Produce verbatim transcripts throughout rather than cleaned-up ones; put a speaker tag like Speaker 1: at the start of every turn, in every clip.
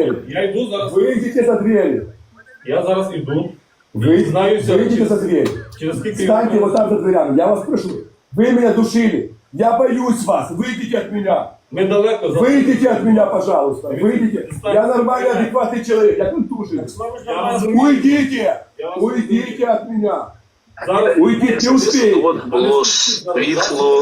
Speaker 1: двери.
Speaker 2: Я йду зараз.
Speaker 1: Выйдите за двери.
Speaker 2: Я зараз іду.
Speaker 1: Вы,
Speaker 2: Знаюся
Speaker 1: выйдите
Speaker 2: через,
Speaker 1: за дверь.
Speaker 2: через скільки...
Speaker 1: Встаньте вот там за дверями. Я вас прошу. Вы меня душили. Я боюсь вас. Выйдите от меня.
Speaker 2: Ми далеко за...
Speaker 1: Выйдите от меня, пожалуйста. Выйдите. Я нормальный, адекватный человек. Я тут душит.
Speaker 2: Я розумію.
Speaker 1: Уйдите.
Speaker 2: Я вас
Speaker 1: Уйдите от меня.
Speaker 2: Зараз...
Speaker 1: Уйдите, не успеете.
Speaker 3: От було світло,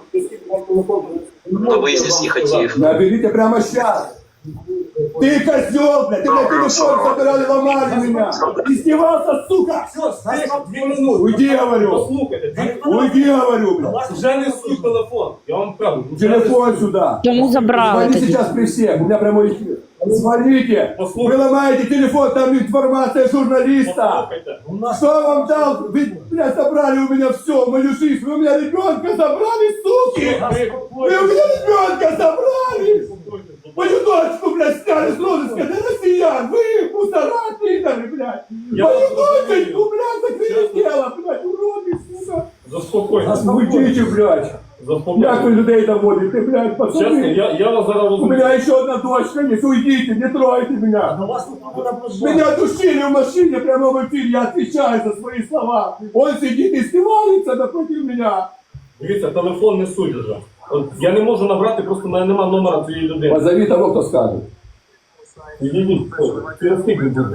Speaker 3: на виїзді не хотів.
Speaker 1: Наберите прямо сейчас. Ты козел, блядь, ты, блядь, телефон собирали, ломали меня. Издевался, сука.
Speaker 2: Дві минути.
Speaker 1: Уйди, говорю.
Speaker 2: Послухайте, дві...
Speaker 1: Уйди, говорю, блядь.
Speaker 2: Вже не суй телефон. Я вам кажу. вже
Speaker 1: Телефон
Speaker 2: не-
Speaker 1: сюда.
Speaker 4: Чому забрали
Speaker 1: Звони
Speaker 4: тоді?
Speaker 1: сейчас при всех, у меня прямой эфир. Звоните.
Speaker 2: Послушай.
Speaker 1: Вы ломаете телефон, там информация журналиста.
Speaker 2: Послухайте.
Speaker 1: Что вам дал? Вы, блядь, забрали у меня все, мою жизнь. Вы у меня ребенка забрали, суки. Вы у меня ребенка забрали. Мою дочку, блядь, сняли с розыска, это россиян. Вы мусора, пидоры, блядь.
Speaker 2: Я
Speaker 1: Мою
Speaker 2: вас
Speaker 1: дочку, блядь, закрыли дело, блядь, уроды, сука.
Speaker 2: Заспокойтесь.
Speaker 1: Уйдите, блядь. Як ви
Speaker 2: Заспокойтесь.
Speaker 1: людей доводите, блядь,
Speaker 2: Чесно,
Speaker 1: пацаны?
Speaker 2: я, я вас зараз
Speaker 1: У
Speaker 2: розумію.
Speaker 1: меня еще одна дочка есть, уйдите, не тройте меня. Меня душили в машине прямо в эфире, я отвечаю за свои слова. Он сидит и стевается напротив меня.
Speaker 2: Дивіться, телефон не суть вже. От я не можу набрати, просто в мене нема номера цієї людини.
Speaker 1: Позови того, кто скажет.
Speaker 2: Відійдіть, через скільки буде?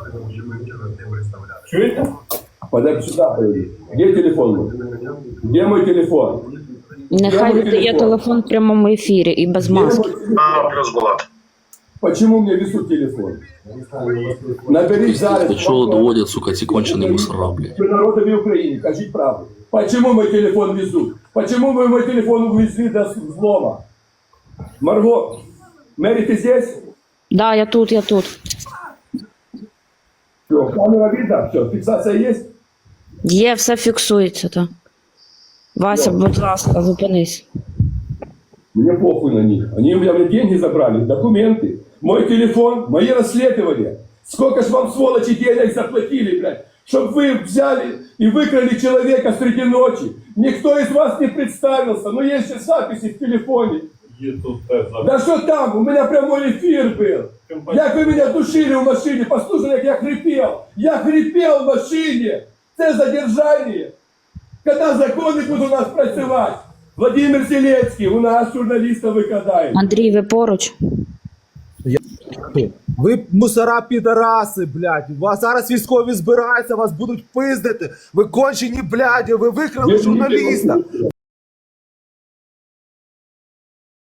Speaker 2: Чуєте?
Speaker 1: Подойди сюда, подойди. Где телефон мой? Где мой телефон?
Speaker 4: Нехай віддає телефон в прямому ефірі і без
Speaker 1: Где
Speaker 4: маски.
Speaker 1: мой телефон?
Speaker 3: А, плюс була.
Speaker 1: Почему мне везут телефон? Набери зараз.
Speaker 5: До чего доводят, сука, эти конченые мусора, блядь?
Speaker 1: Вы народами Украины, скажите правду. Почему мой телефон везут? Почему вы мой телефон увезли до взлома? Марго, Мэри, ты здесь?
Speaker 4: Да, я тут, я тут.
Speaker 1: Все, камера видно? Все, фиксация есть?
Speaker 4: Є, все фіксується, так. Вася, будь ласка, зупинись.
Speaker 1: Мне похуй на них. Они у меня блядь, деньги забрали, документы, мой телефон, мои расследования. Сколько ж вам, сволочи, денег заплатили, блядь, чтобы вы взяли и выкрали человека среди ночи. Никто из вас не представился, но есть же записи в телефоне.
Speaker 2: Є тут теж зараз.
Speaker 1: Да что там, у меня прямой эфир был. Як вы меня душили в машине, послушай, как я хрипел. Я хрипел в машине. Це задержание. Когда законы будут у нас працевать. Владимир Зеленский, у нас журналиста викрадає.
Speaker 4: Андрій, ви поруч?
Speaker 6: Ви мусора підараси, блядь. У вас зараз військові збираються, вас будуть пиздити. Ви кончені, блядь, ви викрали журналіста.